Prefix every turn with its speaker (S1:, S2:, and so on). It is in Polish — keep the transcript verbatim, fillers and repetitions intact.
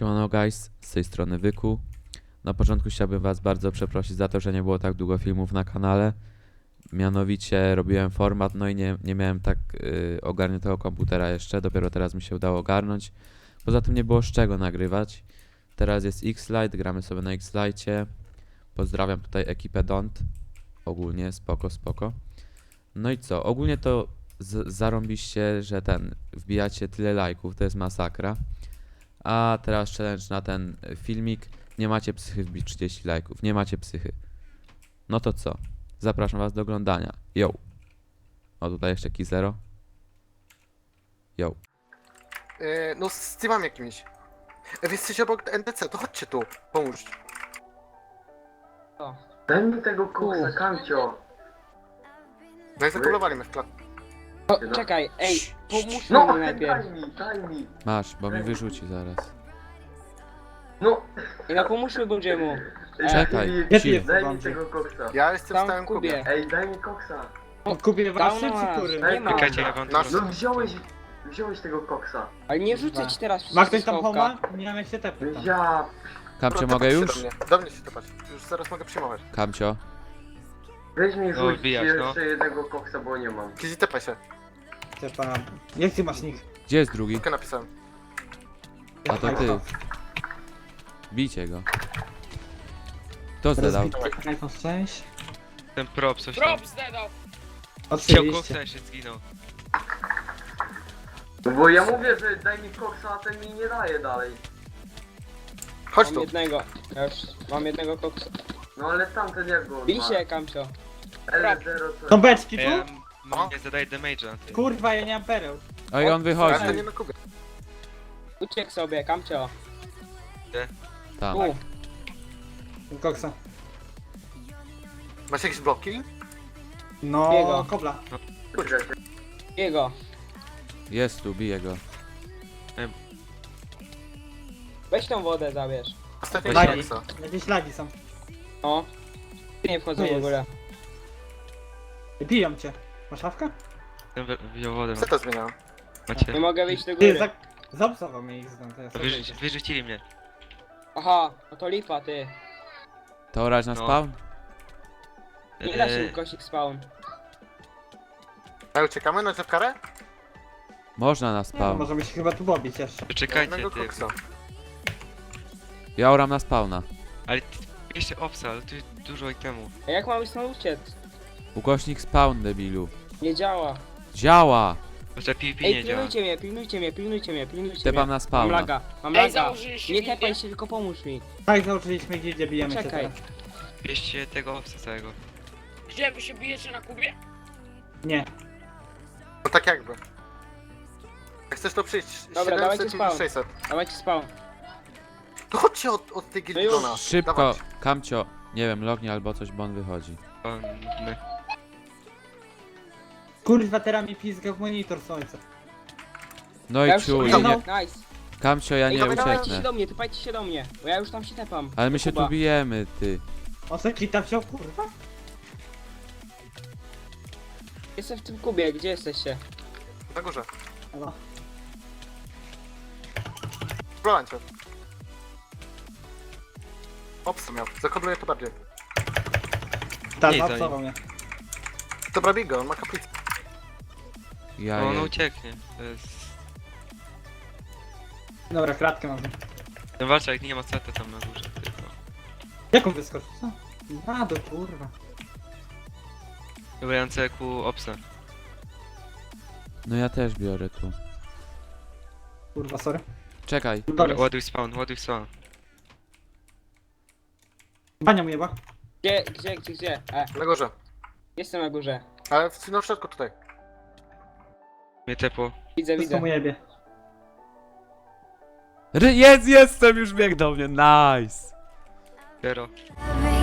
S1: Siemano guys, z tej strony Wyku. Na początku chciałbym was bardzo przeprosić za to, że nie było tak długo filmów na kanale. Mianowicie robiłem format, no i nie, nie miałem tak yy, ogarniętego komputera jeszcze, dopiero teraz mi się udało ogarnąć. Poza tym nie było z czego nagrywać. Teraz jest X-Lite, gramy sobie na X-Lite. Pozdrawiam tutaj ekipę Don't. Ogólnie spoko, spoko. No i co, ogólnie to z zarąbiście, że ten, wbijacie tyle lajków, to jest masakra. A teraz challenge na ten filmik. Nie macie psychy wbić trzydzieści lajków. Nie macie psychy. No to co? Zapraszam was do oglądania. Yo. O, tutaj jeszcze Kizero. Yo.
S2: Yy, no z teamem jakimś. E, wy jesteście obok N P C, to chodźcie tu, pomóż.
S3: O.
S4: Daj mi tego koksa, Kamcio.
S2: No i zakulowali mnie w klatce.
S3: O, czekaj, ej, pomóż
S4: No,
S3: mi
S4: daj
S3: najpierw.
S4: mi, daj mi.
S1: Masz, bo mi wyrzuci zaraz.
S4: No.
S3: Ej, no pomóżmy Bodziemu.
S1: Czekaj,
S4: Ej,
S1: cicho.
S4: daj mi tego koksa.
S2: Ja jestem
S3: Tam
S2: w stałym
S3: w kubie.
S2: kubie.
S4: Ej, daj mi koksa.
S5: Kupię waszy
S3: Tam
S5: czy
S3: masz.
S5: który?
S3: Nie ma.
S4: Czekajcie,
S6: ja wam
S2: Nasz-
S4: No wziąłeś, wziąłeś tego koksa.
S3: Ale nie rzucę ci teraz przez
S5: Ma ktoś tam
S3: schowka.
S5: homa? Nie mam jak się tepnąć tam.
S4: Ja...
S1: Kamcio,
S2: Dobra,
S1: mogę
S2: tepać
S1: już?
S2: się Do mnie, do mnie się tepać. Już zaraz mogę przyjmować.
S1: Kamcio.
S4: Weź mi
S6: No,
S4: rzuć
S6: wbijać, no.
S4: jeszcze jednego koksa, bo nie mam.
S2: Kizi, tepaj się.
S5: Tepa. Jak ty masz nick?
S1: Gdzie jest drugi?
S2: Tylko napisałem.
S1: A to ty. Bijcie go. Kto zadał?
S5: iPhone sześć.
S6: Ten prop coś tam.
S7: Prop zdedał!
S6: Chciał
S5: Oczywiście.
S6: koksa, się zginął.
S4: No bo ja mówię, że daj mi koksa, a ten mi nie daje dalej.
S2: Chodź
S3: Mam
S2: tu.
S3: jednego. Ja już mam jednego koksa.
S4: No ale tamten jak go
S3: Bij się, Kamcio.
S4: L zero co?
S5: Są beczki
S6: A ja
S5: tu?
S2: No.
S6: nie zadaję damage'a. ty.
S5: Kurwa, ja nie mam pereł.
S1: Oj, on
S2: Ja
S1: wychodzi.
S2: jestem nie na kubie.
S3: Uciekł sobie, Kamcio.
S1: Tam.
S3: Tu.
S5: Koksa.
S2: Masz jakieś bloki?
S5: No,
S3: Jego.
S5: kobla.
S4: Kurde,
S3: Jego.
S1: Jest tu, bije go.
S3: Weź tą wodę, zabierz.
S2: Ostatnie
S5: Daj.
S2: koksa.
S5: Jakieś lagi są.
S3: O. Nie wchodzą
S5: Tu
S3: w
S5: jest.
S3: ogóle.
S5: Biją cię. Masz szafkę?
S6: Ten wy- wziął wodę.
S2: Co to zmieniałem?
S3: Nie
S6: Macie.
S3: mogę wyjść do
S5: Ty,
S3: góry.
S5: za... zaobserwował mnie ich znam, to ja sobie
S6: Wyrzuci,
S5: wyjdę.
S6: wyrzucili mnie.
S3: Aha, no to lipa, ty.
S1: To orać na
S6: No.
S1: spawn?
S3: Nie da się
S6: Eee,
S3: ukosić spawn.
S2: A uciekamy na karę?
S1: Można na
S5: No,
S1: spawn.
S5: możemy się chyba tu pobić jeszcze.
S6: Czekajcie
S2: Jednego
S6: ty.
S2: koksa.
S1: Ja oram na spawna.
S6: Ale ty, jeszcze obsa, ale tu jest dużo itemów.
S3: A jak mamy stąd uciec?
S1: Ukośnik spawn, debilu.
S3: Nie działa.
S1: Działa!
S6: Chociaż PvP
S3: Ej,
S6: nie działa.
S3: pilnujcie mnie, pilnujcie mnie, pilnujcie mnie, pilnujcie
S1: Tepam
S3: mnie.
S1: na
S3: Mam
S1: spawna.
S3: laga, mam
S7: Ej,
S3: laga.
S7: założyliście
S3: Nie
S7: gildię?
S3: tepaj się, tylko pomóż mi.
S5: Tak, założyliśmy gildię, bijemy się
S3: Czekaj.
S5: teraz.
S6: Bierzcie tego obsa całego.
S7: Gdzie wy się bijecie na kubie?
S5: Nie.
S2: No tak jakby. Jak chcesz to przyjść,
S3: Dobra, dawajcie
S2: siedemset i
S3: spawn.
S2: sześćset.
S3: Dawajcie spawn.
S2: To chodźcie od, od tej
S3: No
S2: gildii
S3: już.
S2: do nas.
S1: Szybko,
S2: Dawać.
S1: Kamcio. Nie wiem, lognie albo coś, bo on wychodzi.
S6: O, my.
S5: Kurwa, teraz mi pizga w monitor słońca.
S1: No
S3: Ja
S1: i
S3: już
S1: ciu,
S3: no,
S1: i nie...
S3: nice.
S1: Kamcio, ja
S3: Ej,
S1: nie
S3: dobra, dawajcie się
S1: ucieknę.
S3: do mnie, typajcie się do mnie. Bo ja już tam się tepam.
S1: Ale my się
S3: Kuba.
S1: tu bijemy, ty.
S5: On se kita wziął, kurwa?
S3: Jestem w tym kubie, gdzie jesteście?
S2: Na górze.
S5: No.
S2: Próbowałem cię. Obsa miał. Zakodluję to bardziej.
S5: Tak,
S6: Nie, to
S5: zaobserwował mnie.
S2: Dobra, bigo, on ma kaplicę.
S1: Ja
S6: No, on
S1: je...
S6: ucieknie. To jest...
S5: Dobra, kratkę mam.
S6: No walcza, jak nie ma seta tam na górze tylko.
S5: Jak on wyskoczył? Co? A, do kurwa.
S6: Dobra, ja mam C Q obsa.
S1: No ja też biorę tu.
S5: Kurwa, sorry.
S1: Czekaj.
S6: Dobra, ładuj spawn, ładuj spawn.
S5: Bania mu jeba.
S3: Gdzie, gdzie, gdzie, gdzie? E,
S2: Na górze.
S3: jestem na górze.
S2: Ale w, na środku tutaj.
S6: Mnie tepło.
S3: Widzę,
S5: Wszystko
S3: widzę.
S5: mu jebie.
S1: Ry- Jest, jestem, już bieg do mnie, nice!
S6: Zero.
S8: Every